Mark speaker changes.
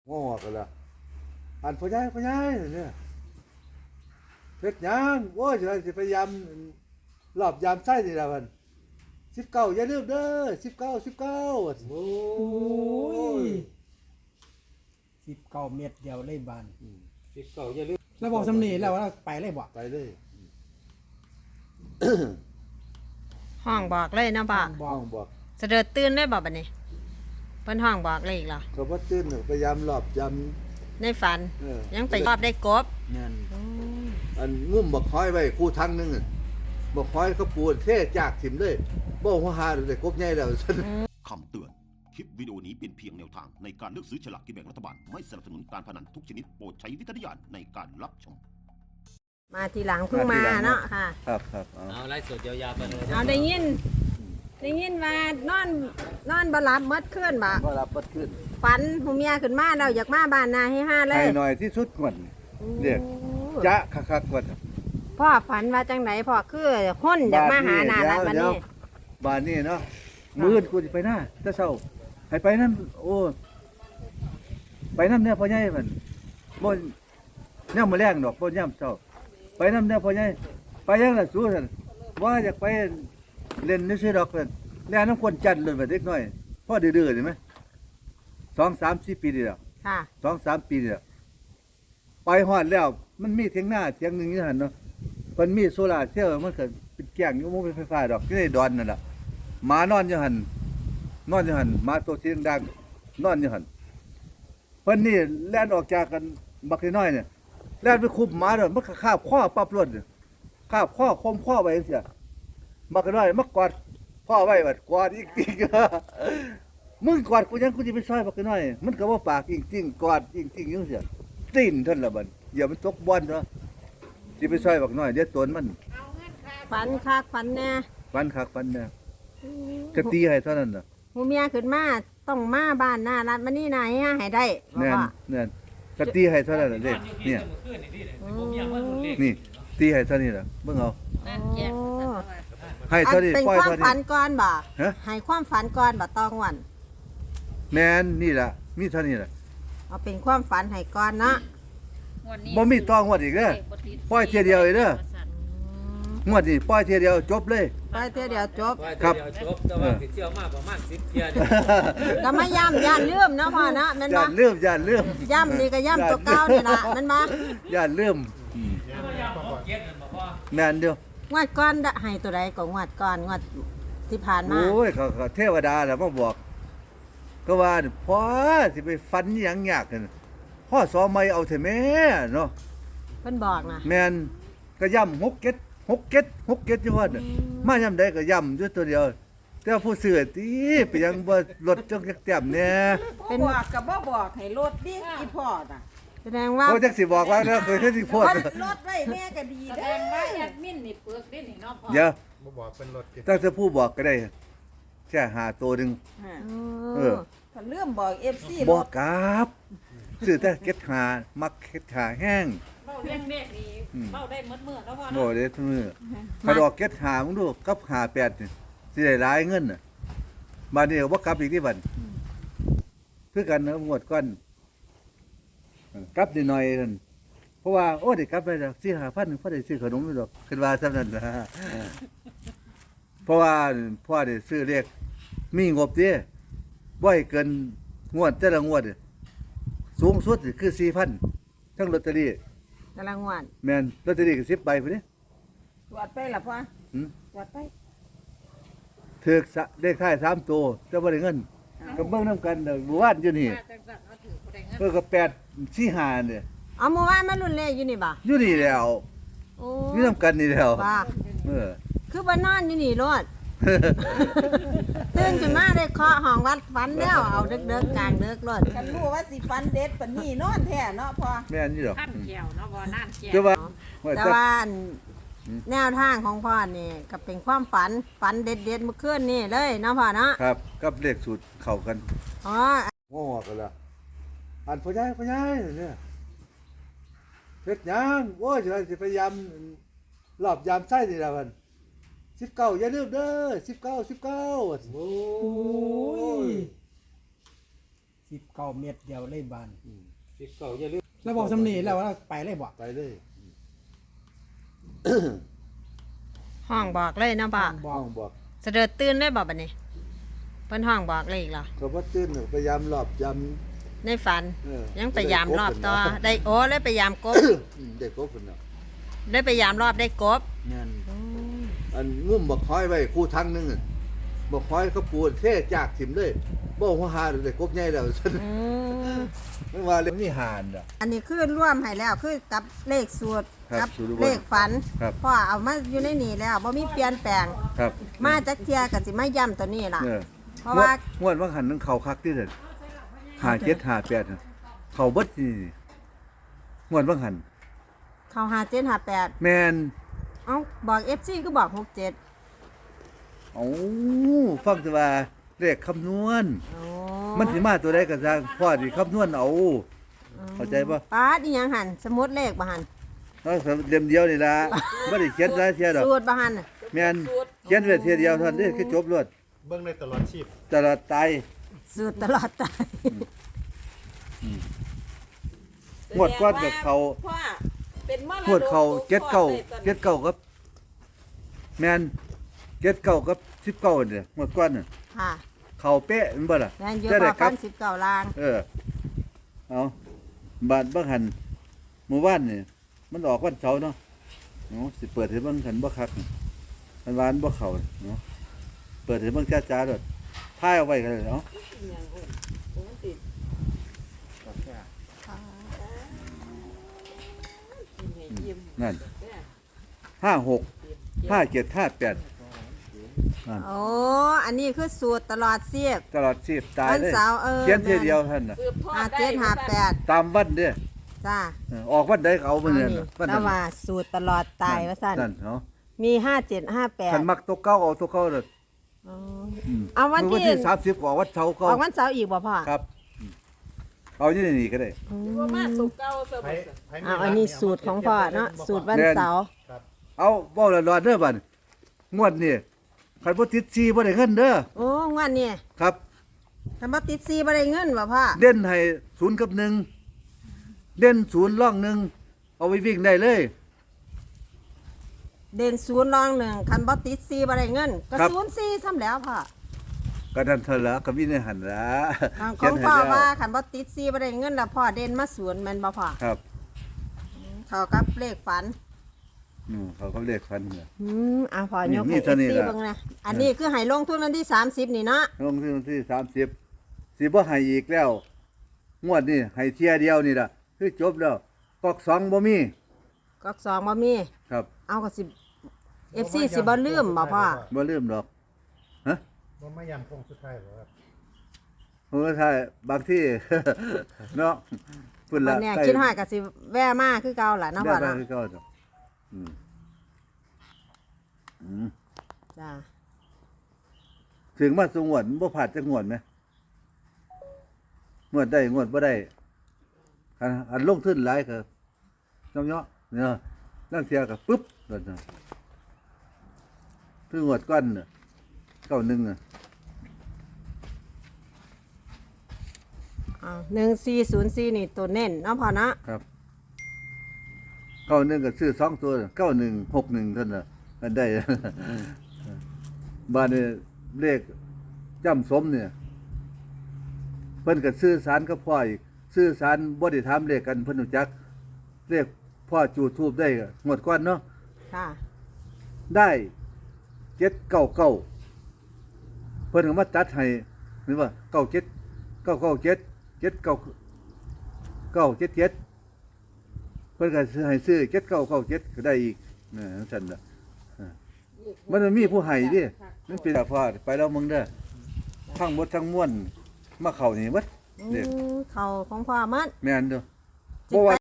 Speaker 1: งอกันละอันพ่อใหญ่เนี่ยเพชรยังโอ้ยจะพยายามรอบยามไส้นี่ละมัน19อย่าลืมเด้อ19
Speaker 2: โอ้ย19 เม็ดเดียวเลยบาน
Speaker 3: 19อย่าลืม
Speaker 2: แล้วบอกสำนีแล้วว่าไปเลยบ่
Speaker 1: ไปเลย
Speaker 4: ห้องบอกเลยนะบ่า
Speaker 1: ห้องบอก
Speaker 4: เสด็จตื่นได้บ่บัดนี้เพิ่นห้องบอกเลยอีกเหรอ
Speaker 1: เขาว่าตื่นพยายามรอบยาม
Speaker 4: ในฝันยังไปรอบได้กบ
Speaker 1: นั่นอันงุ่มบักหอยไว้คู่ทั้งนึงบักหอยเขาปูนเทจากถิ่มเลยบ่หัวหาได้กบใหญ่แล้ว
Speaker 5: คำเตือน คลิปวิดีโอนี้เป็นเพียงแนวทางในการเลือกซื้อฉลากกินแบ่งรัฐบาล ไม่สนับสนุนการพนันทุกชนิดโปรดใช้วิจารณญาณในการรับชม
Speaker 4: มาทีหลังเพิ่งมาเนาะค่ะ
Speaker 1: ครับ
Speaker 3: เอาไล่สดยาวๆไปเลย
Speaker 4: เอาได้ยินว่านอนบ่หลับเมื่อคืนบ่
Speaker 1: ก็รับบัดขึ้น
Speaker 4: ฝันหูเมียขึ้นมาแล้วอยากมาบ้านนาให้5เล
Speaker 1: ให้
Speaker 4: ย
Speaker 1: หน่อยที่สุดก่อนเรียกจะคักๆก่อน
Speaker 4: พ่อฝันว่าจังไหนพ่อคือคนอยากมาหานารัดบัดนี้
Speaker 1: บ้านนี้เนาะมื้อกูสิไปหน้าแต่เช้าให้ไปนั่นโอ้ไปนำเนี่ยพ่อใหญ่มันบ่ย่ำมื้อแรงดอกบ่ย่ำเช้าไปนำเนี่ยพ่อใหญ่ไปยังล่ะสู้ซั่นว่าอยากไปเล่นซื่อๆดอกเพิ่นแล่นน้ำคนจันทร์เลยว่าเด็กน้อยพ่อดื้อๆนี่มั้ย2 3 4ปีนี่แล้ว
Speaker 4: ค่ะ
Speaker 1: 2-3 ปีนี่แล้วไปฮอดแล้วมันมีเถียงหน้าเถียงหนึงอยู่หั่นเนาะเพิ่นมีโซล่าร์เซลล์มันก็เป็นแก้งอยู่บ่มีไฟฟ้าดอกอยู่ในดอนนั่นล่ะหมานอนอยู่หั่นหมาตัวสีดังๆนอนอยู่หั่นเพิ่นนี่แล่นออกจากกันบักน้อยเนี่ยแล่นไปคุบหมาเด้อมันก็คาบคอปั๊บรถคาบคอคมคอไว้จังซี่บักน้อยมากอดพ่อไว้บัดกอดอีกทีมึงกอดกูยังกูสิไปซอยบักน้อยมันก็บ่ปากจริงๆกอดจริงๆอยู่เสียตีนเท่านละบัดอย่ามันตกบ่อนเนาะสิไปซอยบักน้อยเดี๋ยวตนมัน
Speaker 4: ฝันคักฝันแน่
Speaker 1: ฟันคักฟันแน่ก็ตีให้เท่านั้นน่ะ
Speaker 4: หูเมียขึ้นมาต้องมาบ้านนารัดมานี่นายให้ได้บ่
Speaker 1: แน่น
Speaker 4: พ่อ
Speaker 1: แน่นก็ตีให้เท่านั้นน่ะเด้เนี่ย นี่ตีให้เท่านี้ล่ะเบิ่งเอา
Speaker 4: โอ้
Speaker 1: ให้เท่านี้
Speaker 4: เป็น
Speaker 1: ปล่อย
Speaker 4: ความ
Speaker 1: เท่า
Speaker 4: ฝั
Speaker 1: นี้
Speaker 4: นก่อนบ่
Speaker 1: ฮะ
Speaker 4: ให้ความฝันก่อนบ่ตองวัน
Speaker 1: แม่นนี่ล่ะมีเท่านี้ล่ะ
Speaker 4: เอาเป็นความฝันให้ก่อนเนาะ
Speaker 1: บ่มีต้องงวดอีกเด้อปล่อยเที่ยเดียวเองเด้อ งวดนี้ปล่อยเที่ยเดียวจบเลย
Speaker 4: ไปเที่ยวเดียวจบ
Speaker 1: ครับ
Speaker 3: จบแต่ว่าสิเที่ยวมาประมาณ10เที่ยว
Speaker 4: ก็มาย่ำย่านลืมเนาะพ่อเนาะแม่น
Speaker 1: ย่า
Speaker 4: บ่
Speaker 1: นลืมย่านลืม
Speaker 4: ย่ำนี่ก็ย่ำตัวเก่านี่ล่ะแม่นบ่
Speaker 1: ย่านลืม
Speaker 3: เก็ดนั่นบ่พ่อ
Speaker 1: แม่นเดียว
Speaker 4: งวดก่อนได้ให้ตัวใดก็งวดก่อนงวดที่ผ่านมา
Speaker 1: โอ้ยเขาเทวดาแหละมาบอก ก็ว่าพ่อสิไปฟันอิหยังยากนั่นพ่อสอไม่เอาเถอะแม่เนาะ
Speaker 4: เพิ่นบอกนะ
Speaker 1: แม่นก็ย่ำ6 เก็ดอยู่ว่าน่ะมาย่ำใดก็ย่ำอยู่ตัวเดียว แต่ผู้ซื้อติไปยังบ่ลดจักแต้มแน่
Speaker 6: เป็นบอกกับบ่บอกให้รถดิอีพ่อน่ะ
Speaker 4: แสดงว่า
Speaker 1: โอ้จักสิบอกว่าเด้อเคยสิโพด
Speaker 6: รถไว้แม่ก็ดี
Speaker 7: แส
Speaker 6: เด้
Speaker 7: ดงว่า
Speaker 6: อ
Speaker 7: แอดมินนี่เปลือกได้นี่เนาะพ่อ
Speaker 1: เดี๋ยว
Speaker 3: บ่บอกเป็นรถ
Speaker 1: ถ้าจะผู้บอกก็ได้แค่หาตัวหนึง เออ
Speaker 6: ถ้าเรื่องบอก FC ร
Speaker 1: บอก
Speaker 6: ถ
Speaker 1: กราบซื้อแต่เก็ดหามักเก็ดหาแห้ง
Speaker 7: เบ้าเลี้ยงเด็กนี่เบ้าได้หมดมื้อแล้วพ่อ
Speaker 1: โอ้
Speaker 7: เนาะ
Speaker 1: เด้ทุกมื้อถ้าดอกเก็ดหามึงดูกับหา8นี่สิได้หลายเงินน่ะบัดนี้ก็บ่กลับอีกที่บัดคือกันนะงวดก่อนกลับนิดหน่อยนั่นเพราะว่าโอ้ได้กลับไปแล้ว4-5,000พอได้ซื้อขนมอยู่ดอกคิดว่าซั่นนั้นนะเพราะว่าพ่อได้ซื้อเลขมีงบเด้บ่ให้เกินงวดแต่ละงวดนี่สูงสุดนี่คือ 4,000ทั้งลอตเตอรี่
Speaker 4: กำลังงวด
Speaker 1: แม่นลอตเตอรี่ก็10ใบพุ่นนี่
Speaker 6: ตรวจไปล่ะพ่อ
Speaker 1: หืม
Speaker 6: ตรวจไป
Speaker 1: ถูกเลขท้าย3ตัวแต่บ่ได้เงินก็เบิ่งนํกันเด้อหมู่บ้านอยู่นี่
Speaker 7: มาจังซั่นเอาถือบ่ได้เงิน
Speaker 1: ก็8 4 5นี่
Speaker 4: เอาเมื่อวานมารุ่นเลขอยู่นี่บ่
Speaker 1: อยู่นี่แล้ว
Speaker 4: โอ้
Speaker 1: อยู่นํกันนี่แล้ว
Speaker 4: บ่า
Speaker 1: เออ
Speaker 4: คือบ่นอนอยู่นี่โลดตื่นขึ้นมาได้เคาะห้องวัดฝันแล้วเอาเด็กๆกลางเด็กโลด
Speaker 6: กันรู้ว่าสิฟันเด็ดปานนี้นอนแท้เนาะพ่อ
Speaker 1: แม่นอยู่ดอก
Speaker 7: ขั้นแก้วเนาะบ่น่านแก้ว
Speaker 1: แต่ว่า
Speaker 4: แต่ว่าแนวทางของพ่อนี่ก็เป็นความฝันเด็ดๆเมื่อคืนนี่เลยเนาะพ่อเนาะ
Speaker 1: ครับกับเลขสูตรเข้ากัน
Speaker 4: อ๋อ
Speaker 1: งอกันละอันพ่อใหญ่เนี่ยเพชรยังโอ้ยจะพยายามรอบยามไส้นี่ละมัน19อย่าลืมเด้อ19
Speaker 2: โอ้ย19 เม็ดเดียวเลยบาน
Speaker 1: อืม
Speaker 3: 19อย่าลืม
Speaker 2: แล้วบอกสำนีแล้วว่าไปเลยบ่
Speaker 1: ไปเลย
Speaker 4: ห้องบอกเลยเนาะบ่
Speaker 2: บ
Speaker 1: ห้
Speaker 2: อก
Speaker 1: องบอก
Speaker 4: เสด็จตื่นได้บ่บัดนี้เพิ่นห้องบอกเลยอีกเหรอ
Speaker 1: ก็บ่ตื่นพยายามรอบยาม
Speaker 4: ในฝัน ยังไปยามรอบต่อได้โอ้เลยไปยามกบ
Speaker 1: ได้กบพุ่นน่ะ
Speaker 4: ได้ไปยามรอบได้กบ
Speaker 1: นั่นอันงุ่มบักคอยไว้คู่ทั้งหนึงอะบักคอยเขาปูนเทจากถิ่มเลยบ่ฮู้หาได้กบใหญ่แล้วซั่น
Speaker 4: อืม
Speaker 1: มันว่าเลยมีหานอ่ะ
Speaker 4: อันนี้คือร่วมให้แล้วคือกับเลขสูตร
Speaker 1: ครับ
Speaker 4: กั
Speaker 1: สูตร
Speaker 4: เลขฝัน
Speaker 1: ครับ
Speaker 4: พ่อเอามาอยู่ในนี่แล้วบ่มีเปลี่ยนแปลง
Speaker 1: ครับ
Speaker 4: มาจักเทียก็สิมาย้ำตัวนี้ล่ะ
Speaker 1: เออ
Speaker 4: เพราะว่า
Speaker 1: งวดว่าหันนึงเขาคักที่เด้อ5758น่ะเขาเบิดนี่งวดว่าหัน
Speaker 4: เข้า5758
Speaker 1: แม่น
Speaker 4: เอ้าบอก FC คือบอก67
Speaker 1: เอ้าฟังแต่ว่าเลขคำนวณ
Speaker 4: โอ้
Speaker 1: มันสิมาตัวใดก็สร้างพ่อสิคำนวณเอา เข้าใจบ่
Speaker 4: ป้าดอีหยังหั่นสมุดเลขบ่หั่น
Speaker 1: เอาเล่มเดียวนี่ล่ะบ่ได้เขียนหลายเที่ยดอก
Speaker 4: สูตรบ่หั่นน่ะ
Speaker 1: แม่นเขียนไว้เที่ยเดียวเท่านั้นเด้คือจบรวด
Speaker 3: เบิ่งในตลอดชีพ
Speaker 1: ตลอดตาย
Speaker 4: สูตรตลอดตาย
Speaker 1: งวดก้อนกับเขา
Speaker 6: พ่อเป็นมรดก
Speaker 1: งวดเขา
Speaker 6: ตกทอดได้ตอนนี้
Speaker 1: เจ็ดเก้ากับแม่น79กับ19เนี่ยงวดก้อนน่ะ
Speaker 4: ค่ะ
Speaker 1: เขาเป๊ะแมันบ่ล่ะ
Speaker 4: แม่นอยู่
Speaker 1: จะ
Speaker 4: พ
Speaker 1: ได้
Speaker 4: อก
Speaker 1: ลั
Speaker 4: พั
Speaker 1: บ
Speaker 4: น19ล้าน
Speaker 1: เอาบาดบ่หันเมื่อวานนี่มันออกวันเสาร์เนาะสิเปิดให้เบิ่งคันบ่คักมันวานบ่เข้าเนาะเปิดให้เบิ่งจ้าๆโดดถ่ายเอาไว้กันเลยเนาะนั่น56 57 58นั่น
Speaker 4: โอ้อันนี้คือสูตรตลอดเสียบ
Speaker 1: ตลอดชีพตาย
Speaker 4: วัน
Speaker 1: เลย
Speaker 4: เสาร์
Speaker 1: เขียนทีเดียวท่านน่ะ
Speaker 6: สืบทอดได้
Speaker 4: 5758
Speaker 1: ตามวันเด้อ
Speaker 4: จ้า
Speaker 1: ออกวันใดก็เอามื้อนั้นน่ะวัน
Speaker 4: แล้
Speaker 1: นั้
Speaker 4: วน ว่าสูตรตลอดตายว่าซั่น
Speaker 1: นั่นเนาะ
Speaker 4: มี
Speaker 1: คัน
Speaker 4: 5758
Speaker 1: มักตัวเก่าเอาตัวเก่าเด้อ
Speaker 4: อ๋อ
Speaker 1: ม
Speaker 4: เอาวันที่
Speaker 1: มื้อ30ออกวันเสาร์
Speaker 4: อ
Speaker 1: เก่า
Speaker 4: อกวันเสาร์อีกบ่พ่อ
Speaker 1: ครับเอาอยู่ในนี่ก็ได้
Speaker 6: ว่ามาสุกเก่าเสมอ
Speaker 4: เอาอันนี้สูตรของพ่อเนาะสูตรวันเสาร์
Speaker 1: เอาเว้าละรอดเด้อบัดงวดนี่คันบ่ติด4บ่ได้เงินเด้อ
Speaker 4: โอ้งวดนี้
Speaker 1: ครับ
Speaker 4: ถ้าบ่ติด4บ่ได้เงินบ่พ่อ
Speaker 1: เด่นให้0กับ1เด่น0ร่อง1เอาไปวิ่งได้เลย
Speaker 4: เด่น0รอง1คันบ่ติด4บ่ได้เงินก็
Speaker 1: ครับ
Speaker 4: 04ซ้ำแล้วพ่อ
Speaker 1: ก็นั่นเท่าละก็มีในหันละ
Speaker 4: ของพ่อว่าคันบ่ติด4บ่ได้เงินแล้วพ่อเด่นมา0แม่นบ่พ่อ
Speaker 1: ครับ
Speaker 4: เข้ากับเลขฝัน
Speaker 1: เขาก็เรียกฟันเนี่ย
Speaker 4: อ่ะพ่อยก
Speaker 1: นี่
Speaker 4: ให้
Speaker 1: เท่านี้
Speaker 4: FC
Speaker 1: ล่ะ
Speaker 4: เบิ่งนะอันนี้คือให้ลงทุนวันที่30นี่เนาะ
Speaker 1: ลงที่วันที่30สิบ่ให้อีกแล้ว งวดนี่ให้เที่ยเดียวนี่ล่ะคือจบแล้วก๊อก2บ่มี
Speaker 4: ก๊อก2บ่มี
Speaker 1: ครับ
Speaker 4: เอาก็สิ FC สิบ่ลืมบ่พ่อ
Speaker 1: บ่ลืมดอกฮะ
Speaker 3: บ่มายำคงสุดท้ายบ่ครับ
Speaker 1: เออถ้าบางที่ เนาะพุ่น
Speaker 4: วั
Speaker 1: ละ
Speaker 4: นเนี้ยคิดฮอดก็สิแวะมาคือเก่าล่ะเนาะ
Speaker 1: ได้
Speaker 4: พ่อ
Speaker 1: ได้
Speaker 4: เนาะ
Speaker 1: คือเก่าดอกอืมอืม
Speaker 4: จ้า
Speaker 1: ถึงมาสงวนบ่ผ่านจักงวดไหมงวดได้งวดบ่ได้อันลงทุนหลายก็น้ำเนาะเนี่ยนั่งเทียก็ปึ๊บนั่นน่ะคืองวดก้อนน่ะ91น่ะ
Speaker 4: 1404นี่ตัวเน้นเนาะพ่อเนาะ
Speaker 1: ครับ91ก็ซื้อ2ตัว9161เท่านั้นน่ะอันได้ บ้านนี่เลขจำสมเนี่ยเพิ่นก็ซื้อสารกับพ่ออีกซื้อสารบ่ได้ถามเลขกันเพิ่นรู้จักเลขพ่อจูดทูบได้ก็งวดก่อนเนาะ
Speaker 4: ค่ะ
Speaker 1: ได้799เพิ่นก็มาตัดให้หรือว่า97 997 79 977เพิ่นก็ซื้อให้ซื้อ7997ก็ได้อีกนะซั่นน่ะมันมีผู้ให้ดิมันเป็นพ่อไปแล้วมึงเด้อทั้งหมดทั้งมวลมาเข้านี่เบิด เด็ก
Speaker 4: เขาของพ่อมัน
Speaker 1: แม่นเด้อ
Speaker 4: สิ
Speaker 1: บ่
Speaker 4: ไป
Speaker 1: ว่า